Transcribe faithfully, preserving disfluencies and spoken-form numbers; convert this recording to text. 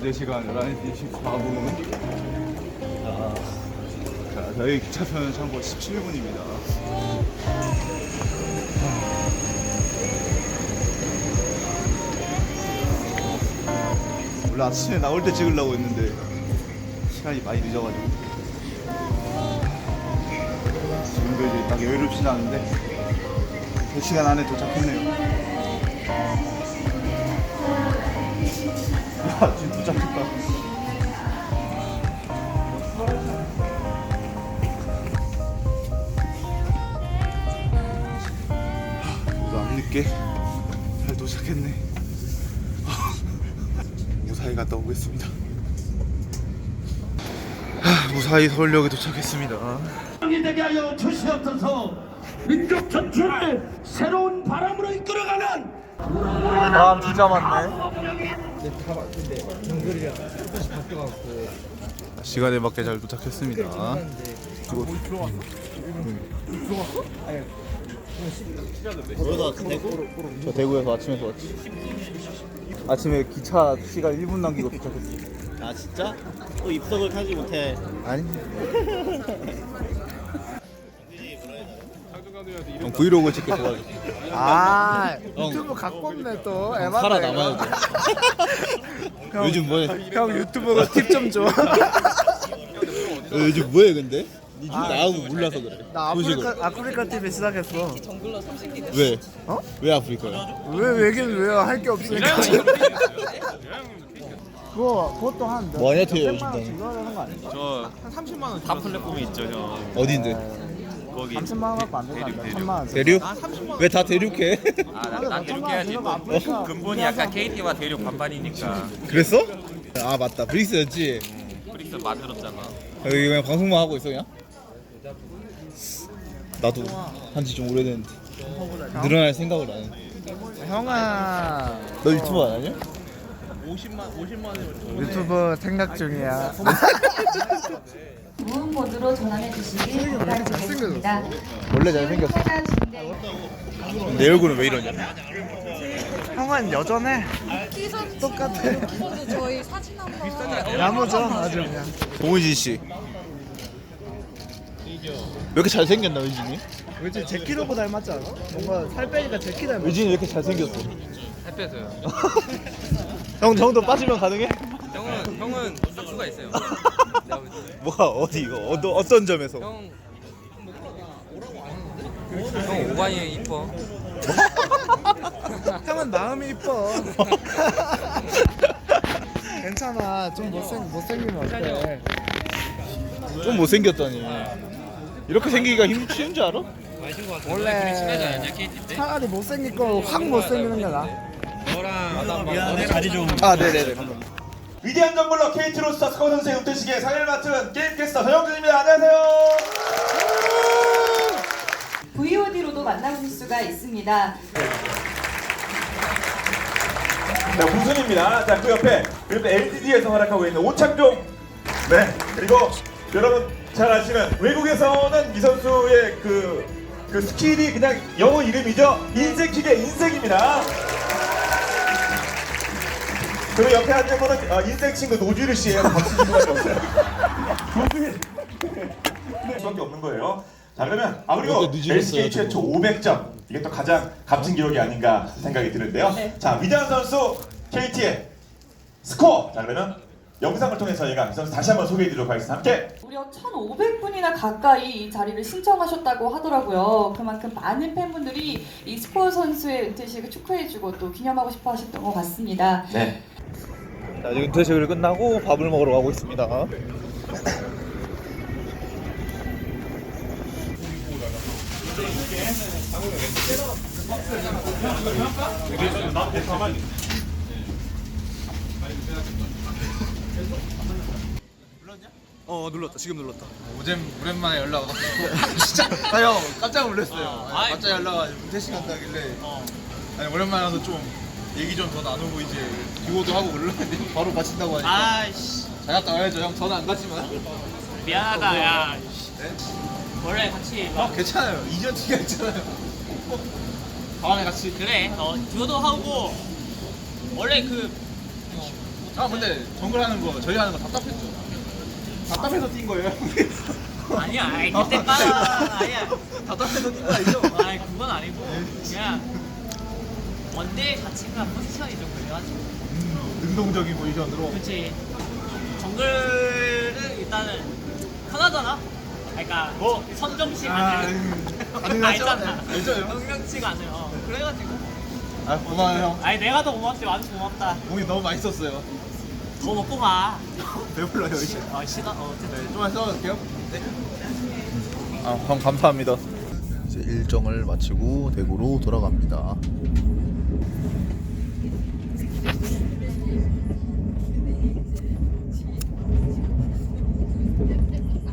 현재 시간 열한 시 십사 분. 자, 자, 저희 기차표는 참고 십칠 분입니다. 원래 아침에 나올 때 찍으려고 했는데 시간이 많이 늦어가지고 지금도 이제 딱 여유롭지는 않은데 세 시간 안에 도착했네요. 야, 지금 도착했다. 그래도 안 늦게 잘 도착했네. 무사히 갔다 오겠습니다. 하, 무사히 서울역에 도착했습니다. 이 되게 하여 주시옵소서. 민족 전체를 새로운 바람으로 이끌어가는 사람 진짜 많네. 시간에 맞게 잘 도착했습니다. 저 대구에서 아침에서 왔지. 아침에 기차 시간 일 분 남기고 도착했어. 아 진짜? 또 입석을 타지 못해. 아니. 형 브이로그 찍게 좋아가지고. 아 유튜브 갖고 없네 또. 에바다, 살아남아야 돼. 형, 요즘 뭐해? 형 유튜브가 팁 좀 줘. 어, 요즘 뭐해 근데? 니 아, 나하고 몰라서 그래. 나 소식을. 아프리카 아프리카 티비 시작했어. 왜? 어? 왜 아프리카야? 왜 왜긴 왜요? 할 게 없으니까. 그거 그것도 한 몇- 뭐 하냐, 태요, 몇백만 원씩 요즘 넣어야 되는 거 아니야? 저 삼십만 원. 다 플랫폼이 있죠 형. 어딘데? 거기 삼천만 원 갖고 안 된다. 천만 원. 대륙? 왜 다 대륙해? 아나 대륙해야지 뭐. 아프리카 근본이 약간 케이티와 대륙 반반이니까. 그랬어? 아 맞다 브릭스였지. 브릭스 만들었잖아. 여기 그냥 방송만 하고 있어 그냥? 나도 한지 좀 오래됐는데 늘어날 생각을 안 해. 형아 너 유튜브 안 하냐? 유튜브 생각 중이야. 무음 모드로 전환해 주시길 부탁드리겠습니다. 원래 잘생겼어. 내 얼굴은 왜 이러냐? 형은 여전해. 똑같아. 저희 사진 한번 야무져 아주 그냥. 동훈진 씨. 왜 이렇게 잘생겼나 의진이? 왠지 제키로보 닮았지 않아? 뭔가 살 빼니까 제키 닮았어. 의진이 왜 이렇게 잘생겼어? 살 빼서요. 형 정도 빠지면 가능해? 형은 형은 싹수가 있어요. 뭐가 어디 이거 어떤 어떤 점에서? 형. 형 오반이 이뻐. 형은 마음이 이뻐. 괜찮아. 좀 못생 못생기면 어때? 좀 못생겼다니. 이렇게 생기기가 힘 쉬운 줄 알아? 원래 차라리 못생길 거 확 못생기는 게 나. 너랑 자리 좀. 아 네네네. 위대한 정글러 케이티로스타 스카우 선수의 은퇴식에 상의를 맡은 게임캐스터 서영준입니다. 안녕하세요. 브이오디로도 만나실 수가 있습니다. 자, 무순입니다. 자, 그 옆에 그 옆에 엘디디에서 활약하고 있는 오창종. 네. 그리고 여러분 잘 아시는 외국에서는 이 선수의 그, 그 스킬이 그냥 영어 이름이죠. 인생킥의 인생입니다. 그리고 옆에 앉은 분은 어, 인생 친구 노주리 씨예요. 박수 줄 수밖에 없어요. 노주리. 네, 수밖에 없는 거예요. 자 그러면 아 그리고 이렇게 늦어졌어요, 엘씨케이 최초 오백 점 이게 또 가장 값진 기록이 아닌가 생각이 드는데요. 네. 자 위대한 선수 케이티의 스코어. 자 그러면 영상을 통해서 저희가 이 선수 다시 한번 소개해드리도록 하겠습니다. 함께. 무려 천오백 분이나 가까이 이 자리를 신청하셨다고 하더라고요. 그만큼 많은 팬분들이 이 스코어 선수의 은퇴식을 축하해주고 또 기념하고 싶어 하셨던 것 같습니다. 네. 자, 지금 은퇴식을 끝나고 밥을 먹으러 가고 있습니다. 어 눌렀다. 지금 눌렀다. 오잼 오랜만에 연락 와서. 진짜. 아형 깜짝 놀랐어요. 아이, 갑자기 연락 와서 은퇴식 한다길래. 아니 오랜만에 와서 좀 얘기 좀 더 나누고 이제 기호도 하고 올라왔는데 바로 마친다고 하니까. 아이씨. 잘 갔다 와야죠. 형 저는 안 갔지만. 미안하다 야. 네? 원래 같이. 형 괜찮아요. 이전 티가 있잖아요. 다음에 같이. 그래. 어 듀오도 하고 원래 그 아 근데 정글 하는 거 저희 하는 거 답답했죠. 답답해서 뛴 거예요. 아니야, 아이, 그때 빠라. 아니야. 답답해서 뛴 거 아니죠? 아이, 그건 아니고. 그냥 원딜 자체가 포지션이 좀 그래가지고. 능동적인 포지션으로. 그렇지. 정글은 일단은 편하잖아. 그러니까 뭐? 선정치가 아, 안 음, 가능하죠? 알잖아. 알죠, 형? 명령치가 안 해요. 그래가지고. 아 고마워요 형. 아니 내가 더 고맙지, 완전 고맙다. 공이 너무 맛있었어요. 더 먹고 가. 배불러요 이제. 어, 싫어. 어, 어쨌든. 네, 좀만 써볼게요. 네. 아, 형 감사합니다. 이제 일정을 마치고 대구로 돌아갑니다.